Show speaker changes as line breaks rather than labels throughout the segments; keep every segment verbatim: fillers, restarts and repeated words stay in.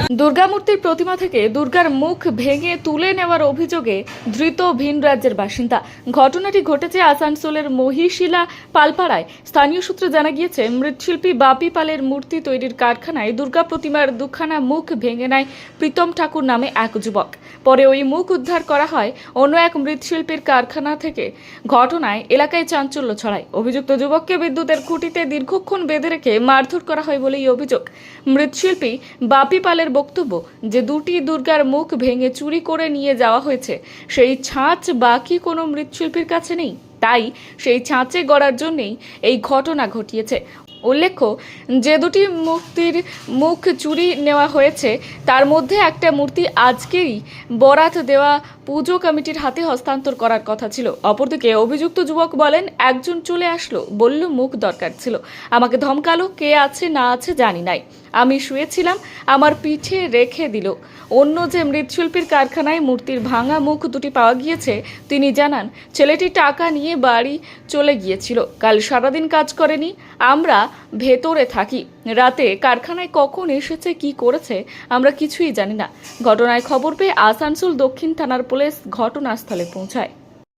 দুর্গামূর্তির প্রতিমা থেকে দুর্গার মুখ ভেঙে তুলে নেওয়ার অভিযোগে ধৃত ভিন রাজ্যের বাসিন্দা। ঘটনাটি ঘটেছে আসানসোলের মহিশিলা পালপাড়ায়। স্থানীয় সূত্রে জানা গিয়েছে, মৃৎশিল্পী বাপি পালের মূর্তি তৈরির কারখানায় দুর্গা প্রতিমার দুখানা মুখ ভেঙে নেয় প্রীতম ঠাকুর নামে এক যুবক। পরে ওই মুখ উদ্ধার করা হয় অন্য এক মৃৎশিল্পীর কারখানা থেকে। ঘটনায় এলাকায় চাঞ্চল্য ছড়ায়। অভিযুক্ত যুবককে বিদ্যুতের খুঁটিতে দীর্ঘক্ষণ বেঁধে রেখে মারধর করা হয় বলেই অভিযোগ। মৃৎশিল্পী বাপি পালের বক্তব্য যে দুটি দুর্গার মুখ ভেঙে চুরি করে নিয়ে যাওয়া হয়েছে, সেই ছাঁচ বাকি কোনো মৃৎশিল্পীর কাছে নেই, তাই সেই ছাঁচে গড়ার জন্যই এই ঘটনা ঘটিয়েছে। উল্লেখ্য, যে দুটি মূর্তির মুখ চুরি নেওয়া হয়েছে তার মধ্যে একটা মূর্তি আজকেই বরাত দেওয়া পুজো কমিটির হাতে হস্তান্তর করার কথা ছিল। অপরদিকে অভিযুক্ত যুবক বলেন, একজন চলে আসলো, বলল মুখ দরকার ছিল, আমাকে ধমকালো, কে আছে না আছে জানি নাই, আমি শুয়েছিলাম, আমার পিঠে রেখে দিল। অন্য যে মৃৎশিল্পীর কারখানায় মূর্তির ভাঙা মুখ দুটি পাওয়া গিয়েছে, তিনি জানান ছেলেটি টাকা নিয়ে বাড়ি চলে গিয়েছিল, কাল সারাদিন কাজ করেনি, আমরা ভেতরে থাকি, রাতে কারখানায় কখন এসেছে কি করেছে আমরা কিছুই জানি না। ঘটনায় খবর পেয়ে আসানসোল দক্ষিণ থানার পুলিশ ঘটনাস্থলে পৌঁছায়।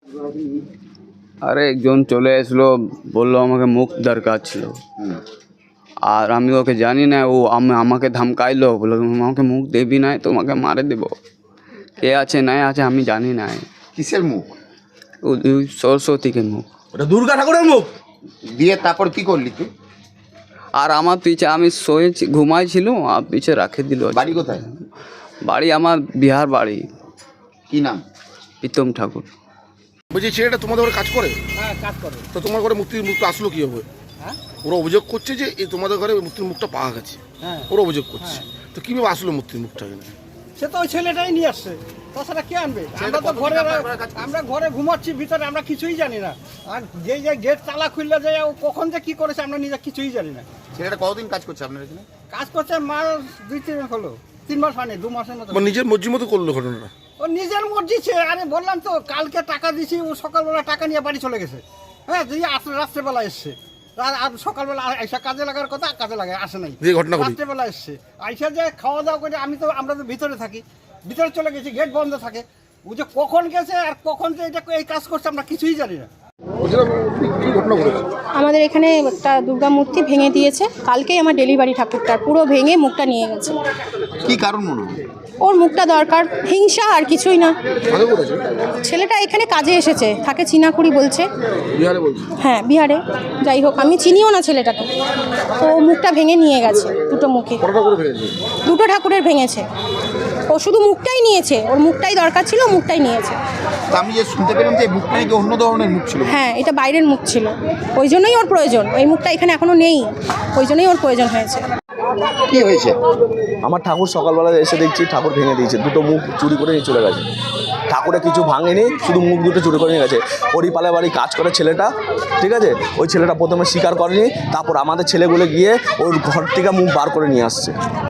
আরে একজন চলে আসলো, বললো আমাকে মুখ দরকার ছিল, আর আমি ওকে জানি না, ও আমাকে ধমকাইলো, বললো আমাকে মুখ দেবি না তোমাকে মারে দেবো। কে আছে না আছে আমি জানি না।
কিসের মুখ?
ওই সরস্বতীকে মুখ।
ওটা দুর্গা ঠাকুরের মুখ দিয়ে তারপর কি করলি তুই?
আর আমার পিছে আমি শোয়েছি, ঘুমাইছিলাম, আর পিছে রাখে দিল।
বাড়ি কোথায়?
বাড়ি আমার বিহার বাড়ি।
কি নাম?
প্রীতম ঠাকুর।
বলছি ছেলেটা তোমাদের ঘরে কাজ করে?
হ্যাঁ, কাজ করে।
তো তোমার ঘরে মূর্তির মুখটা আসলো কি হবে?
হ্যাঁ,
ওরা অভিযোগ করছে যে এই তোমাদের ঘরে মূর্তির মুখটা পাওয়া গেছে।
হ্যাঁ,
ওরা অভিযোগ করছে। তো কিভাবে আসলো মূর্তির মুখটা এখানে?
সে তো ওই ছেলেটাই নিয়ে আসছে, তাছাড়া কে আনবে? আমরা তো ঘরে আমরা ঘরে ঘুমাচ্ছি ভিতরে, আমরা কিছুই জানি না। আর যে যে গেট তালা খুললে যায়, ও কখন যে কি করেছে আমরা নিজে কিছুই জানি না।
ছেলেটা কতদিন কাজ করছে আপনার এখানে?
কাজ করছে মাস দুই তিন মাস হলো, তিন মাস হয়নি, দু মাসের মতো।
মানে নিজের মর্জি মতো করলো ঘটনাটা?
ও নিজের মর্জি ছে। আরে বললাম তো, কালকে টাকা দিছি, ও সকালবেলা টাকা নিয়ে বাড়ি চলে গেছে। হ্যাঁ, তুই রাত্রেবেলা এসছে, আর সকালবেলা আইসা কাজে লাগার কথা, কাজে লাগায় আসে নাই,
যে ঘটনা ঘটেছে
রাত্রেবেলা এসছে। আইসা যে খাওয়া দাওয়া করে, আমি তো আমরা তো ভিতরে থাকি, ভিতরে চলে গেছি, গেট বন্ধ থাকে। ও যে কখন গেছে আর কখন যে এটা এই কাজ করছে আমরা কিছুই জানি না।
আমাদের এখানে একটা দুর্গা মূর্তি ভেঙে দিয়েছে, কালকেই আমার ডেলিভারি ঠাকুরটার পুরো ভেঙে মুখটা নিয়ে গেছে।
কি কারণ মনে হয়?
ওর মুখটা দরকার, হিংসা আর কিছুই না। ছেলেটা এখানে কাজে এসেছে, থাকে চিনাকুড়ি বলছে। হ্যাঁ, বিহারে। যাই হোক, আমি চিনিও না ছেলেটাকে। তো মুখটা ভেঙে নিয়ে গেছে, দুটো মুখে, দুটো ঠাকুরের ভেঙেছে। ও শুধু মুখটাই নিয়েছে, ওর মুখটাই দরকার ছিল, মুখটাই নিয়েছে।
আমি যে শুনতে পেলাম যে মুখটা নাকি অন্য ধরনের মুখ ছিল।
হ্যাঁ, এটা বাইরের মুখ ছিল, ওই জন্যই ওর প্রয়োজন। এই মুখটা এখানে এখনো নেই, ওই জন্যই ওর প্রয়োজন হয়েছে।
কি হয়েছে?
আমার ঠাকুর সকালবেলা এসে দেখছি ঠাকুর ভেঙে দিয়েছে, দুটো মুখ চুরি করে নিয়ে চলে গেছে। ঠাকুরে কিছু ভাঙেনি, শুধু মুখ দুটো চুরি করে নিয়ে গেছে। হরিপালে বাড়ি কাজ করে ছেলেটা, ঠিক আছে? ওই ছেলেটা প্রথমে স্বীকার করেনি, তারপর আমাদের ছেলেগুলো গিয়ে ওর ঘর থেকে মুখ বার করে নিয়ে আসছে।